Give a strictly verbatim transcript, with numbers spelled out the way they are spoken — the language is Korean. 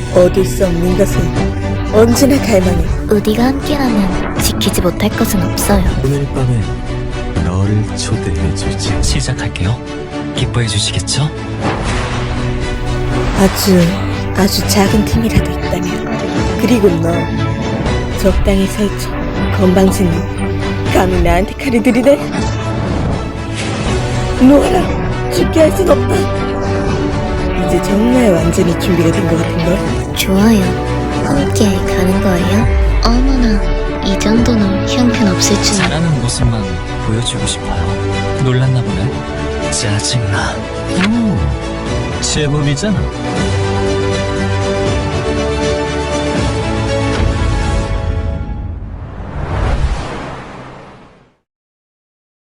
얻을 수 없는 것은 언제나 갈망해. 우리가 함께라면 지키지 못할 것은 없어요. 오늘 밤에 너를 초대해 주지. 시작할게요. 기뻐해 주시겠죠? 아주 아주 작은 틈이라도 있다면, 그리고 너 적당히 설쳐. 건방진 놈, 감히 나한테 칼을 들이대? 놓아라. 죽게 할 순 없다. 이제 정말 완전히 준비가 된 것 같은걸. 좋아요. 함께 가는 거예요? 어머나, 이 정도는 형편없을 줄. 잘하는 모습만 보여주고 싶어요. 놀랐나 보네. 짜증나. 오, 제법이잖아.